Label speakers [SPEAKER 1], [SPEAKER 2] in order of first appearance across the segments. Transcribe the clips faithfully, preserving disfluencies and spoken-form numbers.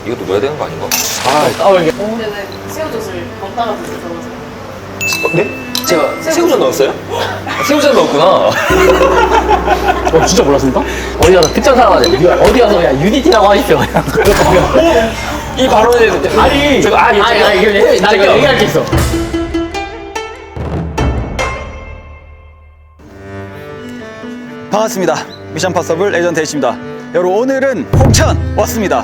[SPEAKER 1] 이것도 넣어야 되는 거 아닌가?
[SPEAKER 2] 아, 아 이게.
[SPEAKER 3] 근데 왜 새우젓을 넣다가 드셔서
[SPEAKER 1] 어, 네? 제가 새우젓 넣었어요? 새우젓 넣었구나.
[SPEAKER 2] 어, 진짜 몰랐습니까? 어디 가서 특정 사람한테 어디 가서 그냥 유니티라고 하십시오. 그냥.
[SPEAKER 1] 이 발언에
[SPEAKER 2] 아니,
[SPEAKER 1] 제가 아,
[SPEAKER 2] 아니, 아니, 아니, 이거 나 이거 얘기할 게 있어.
[SPEAKER 4] 반갑습니다. 미션 파서블 에이전트 H입니다. 여러분 오늘은 홍천 왔습니다.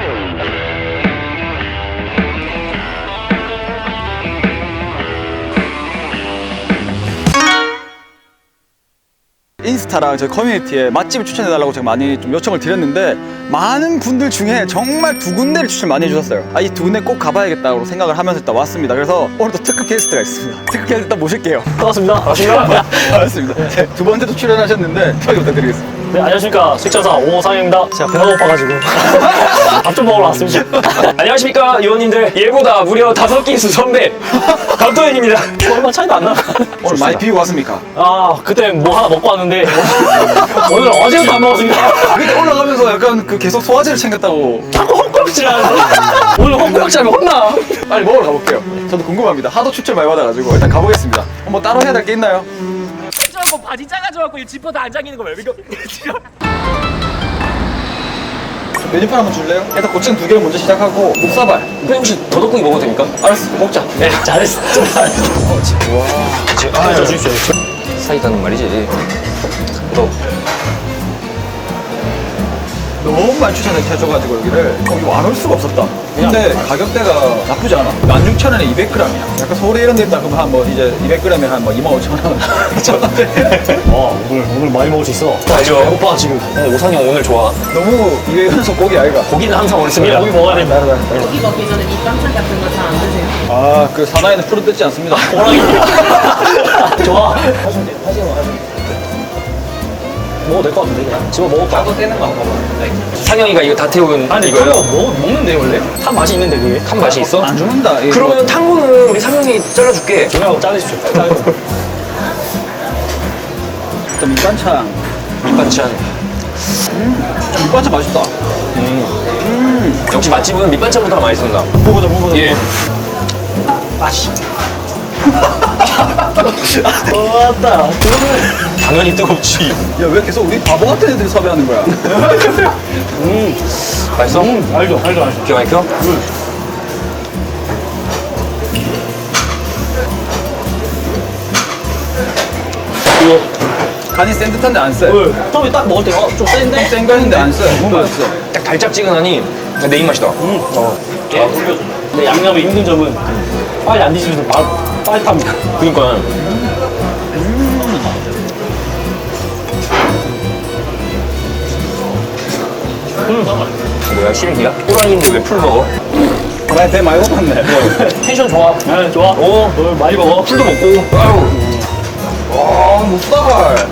[SPEAKER 4] 인스타랑 저희 커뮤니티에 맛집을 추천해달라고 제가 많이 좀 요청을 드렸는데 많은 분들 중에 정말 두 군데를 추천 많이 해주셨어요. 아, 이 두 군데 꼭 가봐야겠다고 생각을 하면서 일단 왔습니다. 그래서 오늘도 특급 게스트가 있습니다. 특급 게스트 일단 모실게요.
[SPEAKER 2] 반갑습니다. 반갑습니다.
[SPEAKER 4] 반갑습니다. 네, 두 번째도 출연하셨는데 소개 부탁드리겠습니다.
[SPEAKER 2] 네, 안녕하십니까. 식전사 오상입니다. 제가 배가 고파가지고 밥 좀 먹으러 왔습니다.
[SPEAKER 1] 안녕하십니까 의원님들. 얘보다 무려 다섯 기수 선배 강도현입니다.
[SPEAKER 2] 얼마 차이도 안 나.
[SPEAKER 4] 오늘 많이 비우고 왔습니까?
[SPEAKER 2] 아, 그때 뭐 하나 먹고 왔는데 오늘 어제부터 안 먹었습니다.
[SPEAKER 4] 그때 올라가면서 약간 그 계속 소화제를 챙겼다고.
[SPEAKER 2] 자꾸 헛구역질 하는데 오늘 헛구역질 하면 혼나.
[SPEAKER 4] 빨리 먹으러 가볼게요. 저도 궁금합니다. 하도 추천 많이 받아가지고 일단 가보겠습니다. 뭐 따로 해야 될 게 있나요?
[SPEAKER 2] 저거 바지 작아져갖고 이 지퍼 다 안 잠기는 거 왜 이거?
[SPEAKER 4] 메뉴판 한번 줄래요? 일단 고추장 두 개를 먼저 시작하고 목사발.
[SPEAKER 1] 선생님 혹시 더덕고기 먹어도 됩니까?
[SPEAKER 4] 알았어, 먹자.
[SPEAKER 2] 네, 잘했어. 좀 잘했어.
[SPEAKER 4] 어, 지- 와.
[SPEAKER 1] 아,
[SPEAKER 2] 저 주십시오.
[SPEAKER 1] 사이다는 말이지. 너
[SPEAKER 4] 너무 많이 추천을 해줘가지고 여기를 어, 이거 안 올 수가 없었다. 근데 가격대가 나쁘지 않아. 만 육천 원에 이백 그램이야. 약간 서울에 이런 데 있다 그러면 한 뭐 이제 이백 그램에 한 뭐 이만 오천 원.
[SPEAKER 2] 와, 오늘 오늘 많이 먹을 수 있어.
[SPEAKER 1] 알죠?
[SPEAKER 2] 배고파 지금.
[SPEAKER 1] 어, 오상이 형 오늘 좋아.
[SPEAKER 4] 너무 이게 현석 고기 아이가.
[SPEAKER 1] 고기는 항상 옳습니다.
[SPEAKER 2] 고기 먹어야 된다.
[SPEAKER 3] 고기 먹기 전에 밑반찬 같은 거 잘 안 드세요?
[SPEAKER 4] 아, 그 사나이는 풀은 뜯지 않습니다.
[SPEAKER 2] 호랑이. 좋아. 하시면 돼요. 하시면 하시면 돼요. 먹어도 될 것 같은데 그냥. 집어 먹을까?
[SPEAKER 1] 나도 떼는 거 한번 봐봐. 상영이가 이거 다 태운
[SPEAKER 2] 아니
[SPEAKER 1] 이거요?
[SPEAKER 2] 그거 먹, 먹는데 원래? 탄 맛이 있는데 그게?
[SPEAKER 1] 탄 맛이 있어?
[SPEAKER 4] 안 죽는다. 이거.
[SPEAKER 1] 그러면 탄 거는 우리 상영이 잘라줄게.
[SPEAKER 2] 조용하고 자르십시오. 자르십시오.
[SPEAKER 4] 일단 밑반찬.
[SPEAKER 1] 밑반찬.
[SPEAKER 4] 밑반찬 맛있다.
[SPEAKER 1] 역시 맛집은 밑반찬보다 맛있습니다.
[SPEAKER 4] 먹어보자, 먹어보자.
[SPEAKER 1] 예.
[SPEAKER 2] 맛이. 어, 왔다.
[SPEAKER 1] 당연히 뜨겁지.
[SPEAKER 4] 야, 왜 계속 우리 바보 같은 애들이 섭외하는 거야?
[SPEAKER 2] 음,
[SPEAKER 1] 맛있어?
[SPEAKER 2] 음, 알죠, 알죠, 알죠.
[SPEAKER 1] 기가 막혀?
[SPEAKER 2] 이거,
[SPEAKER 4] 간이 센 듯한데 안 쎄.
[SPEAKER 2] 왜? 처음에 딱 먹을 때, 어, 좀 센데?
[SPEAKER 4] 센거 했는데 안 쎄. 너무 맛있어.
[SPEAKER 1] 딱 달짝지근하니 내 입맛이다.
[SPEAKER 2] 음, 어. 예. 근데 양념이 힘든 점은 빨리 안 드시면서 바로 빨리 탑니다.
[SPEAKER 1] 그니까. 뭐야, 시래기야? 호랑이인데 왜 풀 먹어?
[SPEAKER 4] 나 배 많이 고팠네.
[SPEAKER 2] 텐션 좋아. 네, 좋아. 오, 너 많이 먹어.
[SPEAKER 1] 풀도 먹고. 아유.
[SPEAKER 4] 와, 목사발.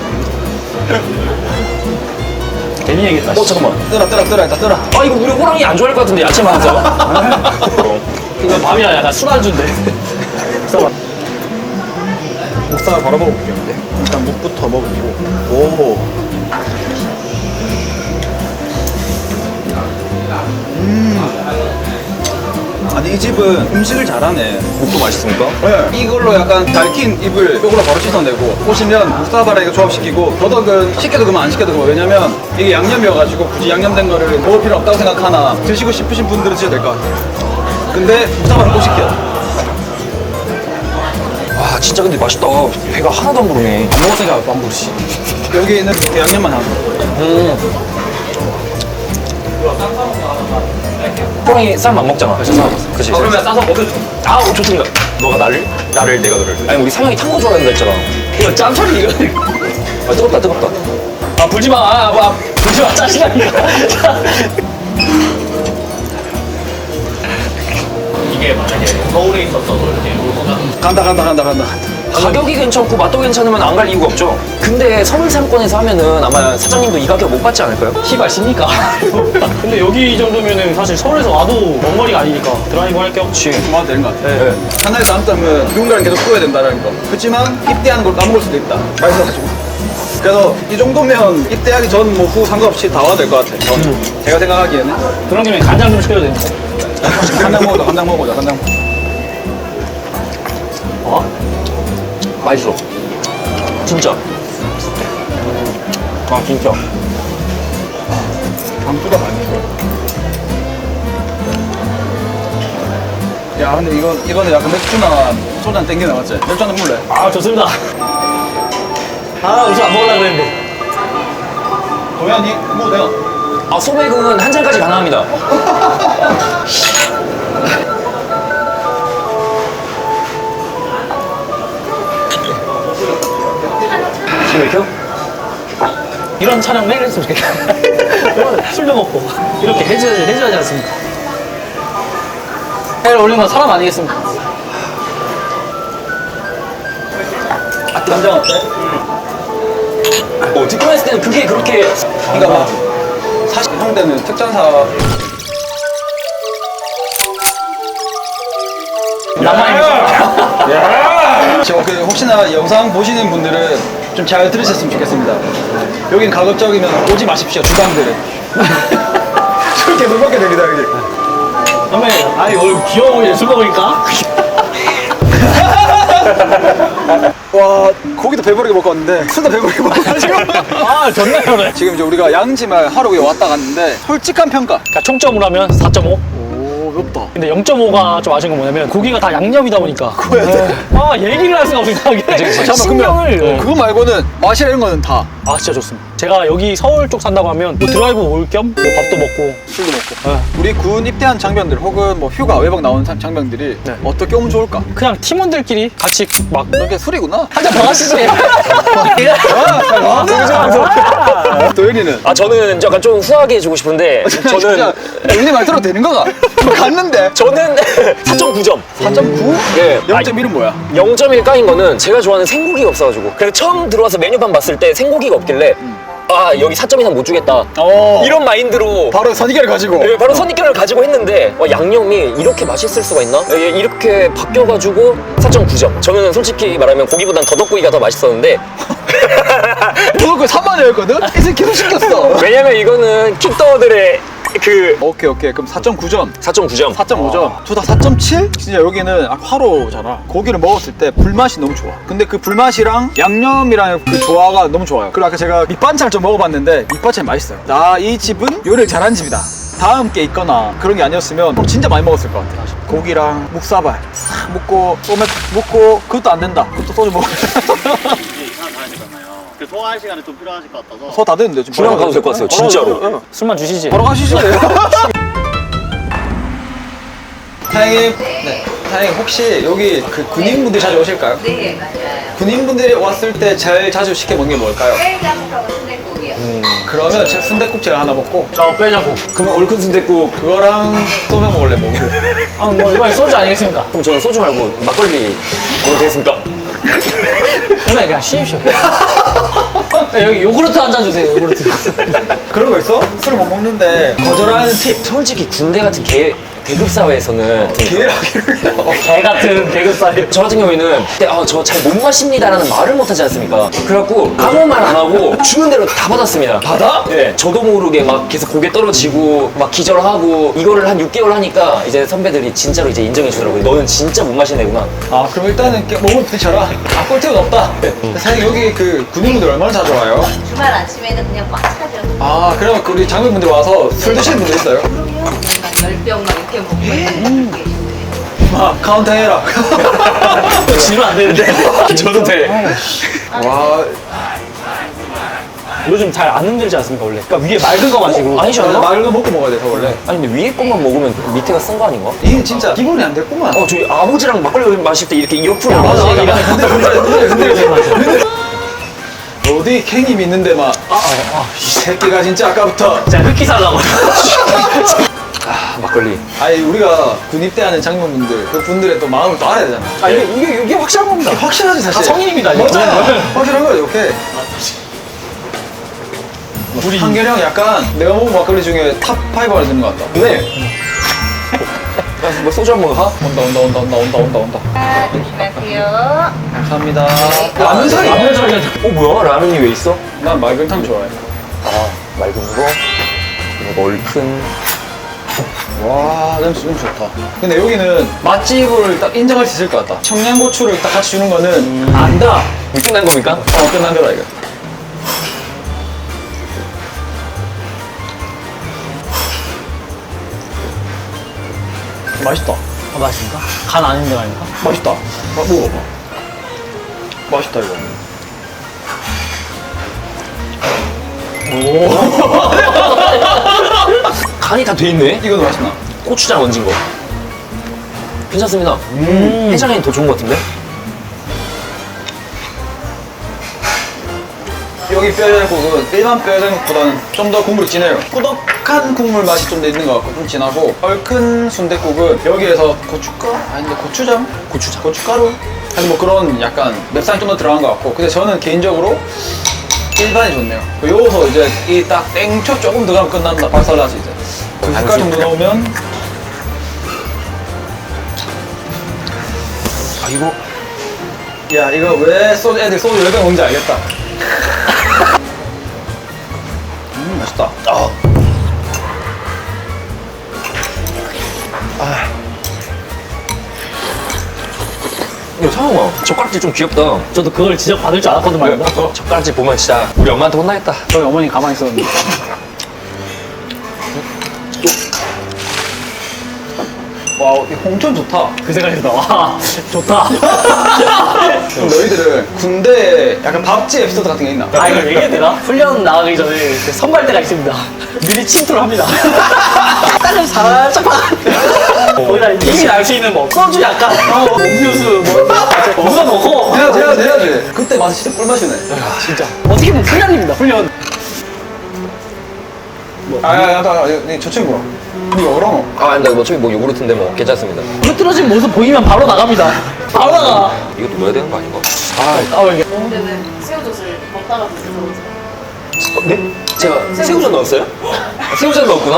[SPEAKER 2] 괜히 얘기했다.
[SPEAKER 1] 어, 잠깐만.
[SPEAKER 4] 뜨라, 뜨라, 뜨라, 일단 뜨라.
[SPEAKER 1] 아, 이거 우리 호랑이 안 좋아할 것 같은데, 야채 많아서.
[SPEAKER 2] 이거 밤이라 약간 술안주인데. 써봐.
[SPEAKER 4] 목사발 바로 먹어볼게요. 네. 일단 묵부터 먹고. 오. 음. 아니, 이 집은 음식을 잘하네.
[SPEAKER 1] 묵도 맛있습니까?
[SPEAKER 4] 네. 이걸로 약간 달킨 입을 이걸로 바로 씻어내고 오시면 묵사발에 이거 조합시키고 더덕은 시켜도 그만 안 시켜도 그만. 왜냐면 이게 양념이어가지고 굳이 양념된 거를 먹을 필요 없다고 생각하나 드시고 싶으신 분들은 드셔도 될 것 같아요. 근데 묵사발은 꼭 시켜.
[SPEAKER 1] 와, 진짜 근데 맛있다. 배가 하나도 안 부르네.
[SPEAKER 2] 안 먹었으니까 안 부르시.
[SPEAKER 4] 여기 있는 양념만 하고.
[SPEAKER 1] 음. 호랑이 쌈 안 먹잖아. 그치, 쌈. 그치.
[SPEAKER 2] 그러면 싸서 먹어줘.
[SPEAKER 1] 아, 어, 좋습니다. 너가 나를? 나를, 내가 너를. 아니, 우리 상영이 탄 거 좋아한다 했잖아.
[SPEAKER 2] 이거 짬처리 이거.
[SPEAKER 1] 아, 뜨겁다, 뜨겁다.
[SPEAKER 2] 아, 불지 마. 아, 아, 불지 마. 짜증나니까. 이게 만약에 서울에 있었어도 이렇게
[SPEAKER 4] 간다 간다 간다 간다.
[SPEAKER 1] 가격이 괜찮고 맛도 괜찮으면 안 갈 이유가 없죠. 근데 서울 상권에서 하면은 아마 사장님도 이 가격 못 받지 않을까요?
[SPEAKER 2] 시발십니까? 근데 여기 정도면은 사실 서울에서 와도 먼 거리가 아니니까 드라이브 할 게 없지.
[SPEAKER 1] 그치.
[SPEAKER 4] 맞아 되는 것 같아.
[SPEAKER 1] 네.
[SPEAKER 4] 하나의 장점은 누군가를 계속 구워야 된다는 거. 그렇지만 입대하는 걸 까먹을 수도 있다. 맛있어가지고. 그래서 이 정도면 입대하기 전 뭐 후 상관없이 다 와도 될 것 같아요. 전 제가 생각하기에는.
[SPEAKER 2] 그런 김에 간장 좀 시켜야 되는데.
[SPEAKER 4] 간장 먹어자, 간장 먹어자, 간장.
[SPEAKER 1] 어? 맛있어. 진짜. 아, 진짜.
[SPEAKER 4] 강수가 많이 들어. 야, 근데 이건 이거는 약간 맥주나 소주 한 땡기나 맞지? 맥주 한잔 먹을래?
[SPEAKER 2] 아, 좋습니다. 아, 우선 안 먹으려고 그랬는데.
[SPEAKER 4] 도현이 뭐 내가.
[SPEAKER 1] 아, 소맥은 한 잔까지 가능합니다. 지금 이렇게요?
[SPEAKER 2] 이런 촬영 매일 했으면 좋겠다. 술도 먹고. 이렇게 해줘야지, 해줘야지 않습니까? 해를 올린 건 사람 아니겠습니까?
[SPEAKER 4] 간장 어때?
[SPEAKER 1] 어, 듣기만 했을 때는 그게 그렇게.
[SPEAKER 4] 그러니까 막 사실 형 때는 특전사
[SPEAKER 2] 남아있는
[SPEAKER 4] 지금 그 혹시나 영상 보시는 분들은 좀 잘 들으셨으면 좋겠습니다. 여긴 가급적이면 오지 마십시오, 주방들은. 저렇게 물 먹게 됩니다, 여기.
[SPEAKER 2] 선배님, 아니, 오늘 귀여워 보이네, 술 먹으니까.
[SPEAKER 4] 와, 고기도 배부르게 먹고 왔는데 술도 배부르게 먹고 가지고.
[SPEAKER 2] 아, 좋네요, 네.
[SPEAKER 4] 지금 이제 우리가 양지말 하루 위에 왔다 갔는데 솔직한 평가.
[SPEAKER 2] 그러니까 총점으로 하면 사 점 오.
[SPEAKER 4] 오, 맵다.
[SPEAKER 2] 근데 영 점 오가 좀 아쉬운 건 뭐냐면 고기가 다 양념이다 보니까 아 얘기를 할 수가 없으니까 이게 신경을
[SPEAKER 4] 그거 말고는 맛이라 이런 거는 다
[SPEAKER 2] 아 진짜 좋습니다. 제가 여기 서울 쪽 산다고 하면 뭐 드라이브 올 겸 뭐 밥도 먹고
[SPEAKER 4] 술도 먹고. 우리 군 입대한 장병들 혹은 뭐 휴가 외박 나온 장- 장병들이
[SPEAKER 2] 네.
[SPEAKER 4] 어떻게 오면 좋을까?
[SPEAKER 2] 그냥 팀원들끼리 같이 막
[SPEAKER 4] 이게 술이구나.
[SPEAKER 2] 한잔 더 하시지.
[SPEAKER 4] 도현이는
[SPEAKER 1] 아, 저는 약간 좀 후하게 해주고 싶은데,
[SPEAKER 4] 진짜
[SPEAKER 1] 저는,
[SPEAKER 4] 우리 말 들어도 되는 거가? 갔는데
[SPEAKER 1] 저는 사 점 구 점.
[SPEAKER 4] 사 점 구?
[SPEAKER 1] 예.
[SPEAKER 4] 영 점 일은 뭐야?
[SPEAKER 1] 영 점 일 까인 거는 제가 좋아하는 생고기가 없어가지고. 그래서 처음 들어와서 메뉴판 봤을 때 생고기가 없길래, 아, 여기 사 점 이상 못 주겠다.
[SPEAKER 4] 어.
[SPEAKER 1] 이런 마인드로.
[SPEAKER 4] 바로 선의결을 가지고.
[SPEAKER 1] 예, 바로 선입견을 가지고 했는데, 와, 양념이 이렇게 맛있을 수가 있나? 예, 이렇게 바뀌어가지고 사 점 구 점. 저는 솔직히 말하면 고기보단 더덕고기가 더 맛있었는데,
[SPEAKER 4] 그거 그 삼만 원이었거든? 이제 계속 시켰어.
[SPEAKER 1] 왜냐면 이거는 킥더들의 그
[SPEAKER 4] 오케이 오케이 그럼 사 점 구 점.
[SPEAKER 1] 사 점 구 점.
[SPEAKER 4] 사 점 오 점. 둘 다 사 점 칠? 진짜 여기는 아, 화로잖아. 고기를 먹었을 때 불맛이 너무 좋아. 근데 그 불맛이랑 양념이랑 그 조화가 너무 좋아요. 그리고 아까 제가 밑반찬을 좀 먹어봤는데 밑반찬이 맛있어요. 나 이 집은 요리를 잘하는 집이다. 다음 게 있거나 그런 게 아니었으면 진짜 많이 먹었을 것 같아. 고기랑 묵사발 싹 먹고 소맥 먹고 그것도 안 된다. 그것도 소주 먹어.
[SPEAKER 5] 이게 이상한 사람이잖아요. 그 소화할 시간이 좀 필요하실 것 같아서.
[SPEAKER 4] 소 다 됐는데 지금.
[SPEAKER 1] 주량 가도 될 것 같아요, 진짜로.
[SPEAKER 2] 술만 주시지.
[SPEAKER 4] 바로 가시죠. 사장님, 네. 사장님 혹시 여기 그 군인분들 자주 오실까요?
[SPEAKER 6] 네, 맞아요.
[SPEAKER 4] 군인분들이 왔을 때 제일 자주 시켜 먹는 게 뭘까요?
[SPEAKER 6] 쌀장국하고 순대국이요.
[SPEAKER 4] 그러면 제가 순댓국 제가 하나 먹고
[SPEAKER 2] 저 빼자고.
[SPEAKER 1] 그러면 얼큰 순댓국.
[SPEAKER 4] 그거랑 소맥 먹을래 먹고.
[SPEAKER 2] 아뭐 이번에 소주 아니겠습니까?
[SPEAKER 1] 그럼 저는 소주 말고 막걸리 먹어도 되겠습니까?
[SPEAKER 2] 그냥 그냥 쉬십시오. 네, 여기 요구르트 한 잔 주세요. 요구르트.
[SPEAKER 4] 그런 거 있어? 술 못 먹는데 거절하는 팁.
[SPEAKER 1] 솔직히 군대 같은 개, 계급 사회에서는
[SPEAKER 4] 기회라기를.
[SPEAKER 2] 개 같은 계급살이.
[SPEAKER 1] 저 같은 경우에는 아, 저 잘 못 마십니다라는 말을 못 하지 않습니까? 그래갖고 아무 말 안 하고 주는 대로 다 받았습니다.
[SPEAKER 4] 받아?
[SPEAKER 1] 네. 저도 모르게 막 계속 고개 떨어지고 막 기절하고 이거를 한 육 개월 하니까 이제 선배들이 진짜로 이제 인정해 주더라고요. 너는 진짜 못 마시는 애구나.
[SPEAKER 4] 아 그럼 일단은 깨- 몸을 부딪혀라. 아 꿀팁은 없다. 사장님 여기 그 군인분들 얼마나 자주 와요?
[SPEAKER 6] 주말 아침에는 그냥 꽉 차죠.
[SPEAKER 4] 아 그러면 그 우리 장병분들 와서 술 드시는 분들 있어요?
[SPEAKER 6] 그러면 막 열 병 막 이렇게 먹고 있는 게 있어요.
[SPEAKER 4] 아 카운트 해라.
[SPEAKER 2] 지면 안 되는데.
[SPEAKER 1] 저도 돼.
[SPEAKER 4] 와
[SPEAKER 2] 요즘 잘 안 흔들지 않습니까 원래? 그러니까 위에 맑은 거 마시고.
[SPEAKER 1] 어, 아니지 않나?
[SPEAKER 4] 맑은 거 먹고 먹어야 돼서 원래.
[SPEAKER 1] 아니 근데 위에 것만 먹으면 밑에가 쓴 거 아닌가?
[SPEAKER 4] 이게 진짜 기본이 안 됐구만.
[SPEAKER 1] 어 저희 아버지랑 막걸리 마실 때 이렇게 옆으로
[SPEAKER 4] 맞아,
[SPEAKER 1] 마시는
[SPEAKER 4] 맞아.
[SPEAKER 1] 게
[SPEAKER 4] 근데, 근데, 근데, 근데, 어디 캥이 있는데 막, 아, 아, 이 새끼가 진짜 아까부터.
[SPEAKER 2] 제가 흑기 살라고.
[SPEAKER 1] 아, 막걸리.
[SPEAKER 4] 아니, 우리가 군 입대하는 장병분들, 그 분들의 또 마음을 또 알아야 되잖아.
[SPEAKER 2] 아 이게 이게 이게 확실한 겁니다.
[SPEAKER 4] 확실하지, 사실.
[SPEAKER 2] 다 성인입니다, 이거.
[SPEAKER 4] 맞아.
[SPEAKER 2] 네.
[SPEAKER 4] 확실한 거야, 이렇게. 우리 한결이 형 약간 내가 먹은 막걸리 중에 탑 파이브 안에 드는 것 같다.
[SPEAKER 1] 네. 야, 뭐 소주 한 번 가?
[SPEAKER 4] 온다, 온다, 온다, 온다, 온다, 온다, 온다.
[SPEAKER 6] 아, 조심하세요.
[SPEAKER 4] 감사합니다.
[SPEAKER 6] 네.
[SPEAKER 4] 라면 사리.
[SPEAKER 2] 라면 사리.
[SPEAKER 1] 어 뭐야? 라면이 왜 있어?
[SPEAKER 4] 난 맑은탕 좋아해.
[SPEAKER 1] 아, 맑은 거, 그리고 얼큰.
[SPEAKER 4] 와, 냄새 너무 좋다. 근데 여기는 맛집을 딱 인정할 수 있을 것 같다. 청양고추를 딱 같이 주는 거는 안다.
[SPEAKER 1] 이게 끝난 겁니까?
[SPEAKER 4] 어, 끝난 거다, 이거. 맛있다.
[SPEAKER 2] 아, 맛있습니까? 간 아닌데 아닙니까?
[SPEAKER 4] 맛있다. 아, 먹어봐. 맛있다, 이거.
[SPEAKER 1] 간이 다 돼 있네?
[SPEAKER 4] 이거도 맛있나?
[SPEAKER 1] 고추장 얹은 거. 괜찮습니다. 음. 해장이 더 좋은 것 같은데?
[SPEAKER 4] 여기 뼈장국은 일반 뼈장국보다는 좀 더 국물이 진해요. 꾸덕한 국물 맛이 좀 더 있는 것 같고 좀 진하고, 얼큰 순댓국은 여기에서 고춧가루? 아닌데 고추장? 고추장. 고춧가루? 아니 뭐 그런 약간 맵상이 좀 더 들어간 것 같고, 근데 저는 개인적으로 일반이 좋네요. 여기서 이제 이 딱 땡초 조금 들어가면 끝난다. 박살나지 이제. 두 숟갈 정도 넣으면.
[SPEAKER 1] 아, 이거.
[SPEAKER 4] 야, 이거 왜 소주, 애들 소주 열 병 먹는지 알겠다. 음, 맛있다.
[SPEAKER 1] 아. 야, 상영아, 젓가락질 좀 귀엽다.
[SPEAKER 2] 저도 그걸 지적받을 줄 알았거든 말이야.
[SPEAKER 1] 젓가락질 보면 진짜 우리 엄마한테 혼나겠다.
[SPEAKER 2] 저희 어머니 가만히 있었는데.
[SPEAKER 4] 와, 이 홍천 좋다.
[SPEAKER 2] 그 생각이 나. 와, 좋다.
[SPEAKER 4] 그럼 너희들은 군대에 약간 밥집 에피소드 같은 게 있나?
[SPEAKER 2] 아, 이거 얘기해도 되나? 훈련 나가기 전에 그 선발대가 있습니다. 미리 침투를 합니다. 딸을 살짝 봐. 거기다 이미 알 수 있는 뭐, 소주 약간, 어, 음료수, 뭐, 누가 먹어.
[SPEAKER 4] 해야지, 해야지, 해야지. 그때 맛이 진짜 꿀맛이네.
[SPEAKER 2] 진짜. 어떻게 보면 훈련입니다, 훈련.
[SPEAKER 4] 아, 야, 야, 야, 야, 저 친구야. 니가 어라노?
[SPEAKER 1] 아, 근데 어차피 뭐 요구르트인데 뭐 괜찮습니다.
[SPEAKER 2] 흐트러진 모습 보이면 바로 나갑니다. 바로 나가.
[SPEAKER 1] 이것도 넣어야 되는 거 아닌가?
[SPEAKER 2] 아, 이게.
[SPEAKER 3] 근데는 새우젓을 먹다가 드셔서
[SPEAKER 1] 네? 제가 새우젓 넣었어요? 새우젓 넣었구나.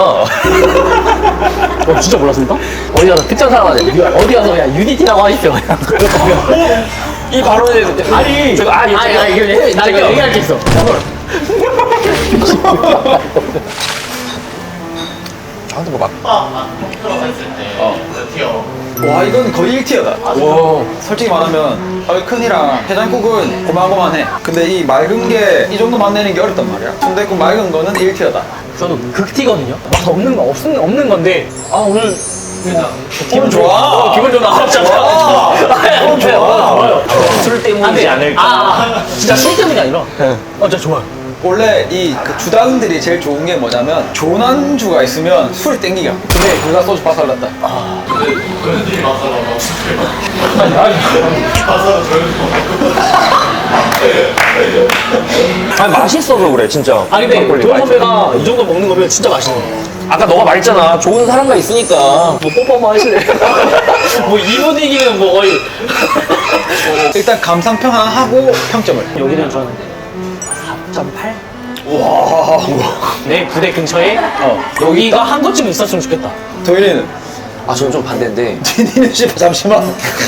[SPEAKER 2] 어, 진짜 몰랐습니까? 어디 가서 특전 사람한테 어디 가서 그냥 유니티라고 하십시오. 그냥.
[SPEAKER 1] 이 발언에
[SPEAKER 2] 아니,
[SPEAKER 1] 제가 아,
[SPEAKER 2] 아니, 아니, 아니, 이거 얘- 나 이거 얘기할 게 있어.
[SPEAKER 1] 저한테 뭐 막.
[SPEAKER 4] 와, 이건 거의 일 티어다.
[SPEAKER 1] 와.
[SPEAKER 4] 솔직히 말하면 얼큰이랑 해장국은 고만고만해. 근데 이 맑은 게 이 정도 맛내는 게 어렵단 말이야. 순댓국 맑은 거는 일 티어다.
[SPEAKER 2] 저는 극티거든요. 맛 없는 거 없는 없는 건데. 아 오늘
[SPEAKER 4] 기분 좋아.
[SPEAKER 2] 어, 기분 좋아. 진짜 좋아. 기분 좋아.
[SPEAKER 1] 술 때문이지
[SPEAKER 2] 안 돼.
[SPEAKER 1] 않을까.
[SPEAKER 2] 아, 진짜 술 때문이 아니라. 어, 진짜 좋아요.
[SPEAKER 4] 원래 이 그 주당들이 제일 좋은 게 뭐냐면 좋은 안주가 있으면 술이 땡기가. 근데 둘 다 소주 박살났다.
[SPEAKER 1] 아니, 맛있어서 그래, 진짜.
[SPEAKER 2] 아 근데
[SPEAKER 1] 막걸리
[SPEAKER 2] 도현
[SPEAKER 1] 맛있어.
[SPEAKER 2] 선배가 이 정도 먹는 거면 진짜 맛있네.
[SPEAKER 1] 아까 너가 말했잖아. 좋은 사람과 있으니까.
[SPEAKER 2] 뭐 뽀뽀만 하시네. 뭐 이 분위기는 뭐 거의.
[SPEAKER 4] 일단 감상평 하나 하고 평점을.
[SPEAKER 2] 여기는 저는 사 점 팔. 와. 내 부대 근처에 어, 여기가 한 곳쯤 있었으면 좋겠다.
[SPEAKER 4] 도현이는?
[SPEAKER 1] 아, 저는 좀 반대인데.
[SPEAKER 4] 니는 씨발 잠시만.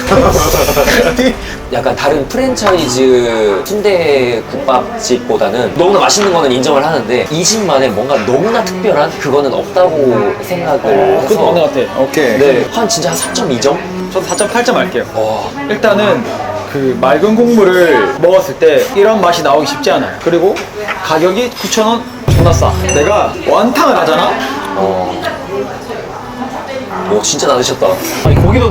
[SPEAKER 1] 약간 다른 프랜차이즈 순대국밥집보다는 너무나 맛있는 거는 인정을 하는데 이 집만의 뭔가 너무나 특별한 그거는 없다고 생각을 해서.
[SPEAKER 4] 그것도 맞는 것 같아. 오케이.
[SPEAKER 1] 네, 한 진짜 한 사 점 이 점?
[SPEAKER 4] 저도 사 점 팔 점 할게요.
[SPEAKER 1] 와.
[SPEAKER 4] 일단은 그 맑은 국물을 먹었을 때 이런 맛이 나오기 쉽지 않아요. 그리고 가격이 구천 원 존나 싸. 내가 완탕을 하잖아?
[SPEAKER 1] 어. 오, 진짜 나으셨다.
[SPEAKER 2] 아니 고기도.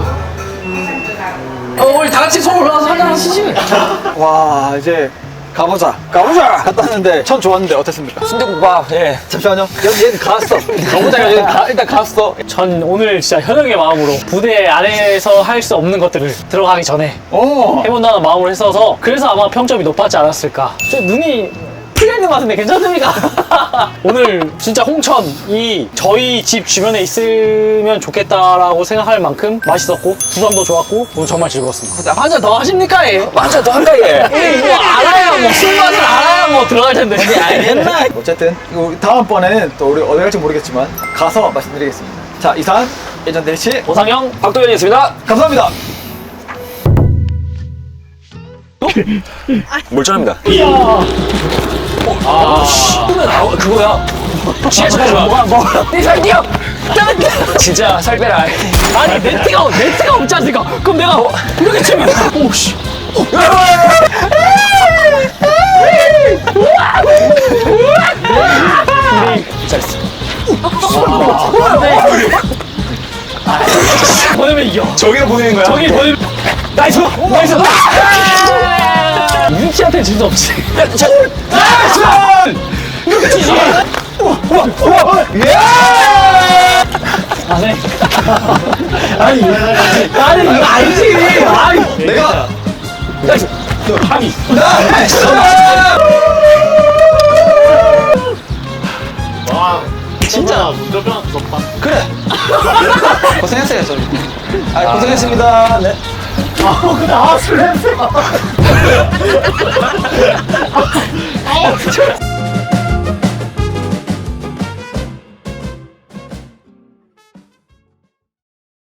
[SPEAKER 2] 어 우리 다 같이 손 올라와서 한잔 하시지.
[SPEAKER 4] 와, 이제 가보자. 가보자! 갔다 왔는데 전 좋았는데 어땠습니까?
[SPEAKER 1] 순대국밥, 예.
[SPEAKER 4] 잠시만요. 여기 얘는 갔어. 가보자가 얘는 가, 일단 갔어.
[SPEAKER 2] 전 오늘 진짜 현역의 마음으로 부대 안에서 할 수 없는 것들을 들어가기 전에
[SPEAKER 4] 오!
[SPEAKER 2] 해본다는 마음으로 했어서 그래서 아마 평점이 높았지 않았을까. 저 눈이 풀려 있는 것 같은데 괜찮습니까? 오늘 진짜 홍천이 저희 집 주변에 있으면 좋겠다라고 생각할 만큼 맛있었고 구성도 좋았고 오늘 정말 즐거웠습니다. 한 잔 더 하십니까? 예?
[SPEAKER 1] 맞아, 더 할까, 예.
[SPEAKER 2] 우리 뭐 알아야 뭐 술맛을 알아야 뭐 들어갈 텐데.
[SPEAKER 4] 알겠나? 어쨌든 이거 우리 다음번에는 또 우리 어디 갈지 모르겠지만 가서 말씀드리겠습니다. 자, 이상 예전 대리치
[SPEAKER 2] 오상영
[SPEAKER 1] 박도현이었습니다.
[SPEAKER 4] 감사합니다.
[SPEAKER 1] 몰전합니다.
[SPEAKER 2] 이야.
[SPEAKER 1] 어,
[SPEAKER 2] 아, 씨.
[SPEAKER 1] 아, 그거야. 지하철 좋아.
[SPEAKER 2] 뭐야, 뭐야.
[SPEAKER 1] 살 뛰어. 진짜 살 빼라.
[SPEAKER 2] 아니, 네트가, 네트가 없지 않습니까? 그럼 내가 이렇게 치면. 오, 씨.
[SPEAKER 1] 잘했어.
[SPEAKER 2] 보내면 이겨.
[SPEAKER 4] 저기를 보내는 거야?
[SPEAKER 2] 저기 보내면. 나이스! 나이스! 윤치한테 질 수 없지.
[SPEAKER 1] 야, 저,
[SPEAKER 2] 나이스! 이렇게 치지. 안 해. 아니, 아니, 이거 아니지. 아니,
[SPEAKER 4] 내가
[SPEAKER 1] 나이스.
[SPEAKER 2] 아니.
[SPEAKER 4] 나이스!
[SPEAKER 5] 와 진짜 운전병 무섭다.
[SPEAKER 4] 그래. 고생했어요, 저희. 아, 고생했습니다. 네.
[SPEAKER 2] 아, 근데 아, 술 냄새.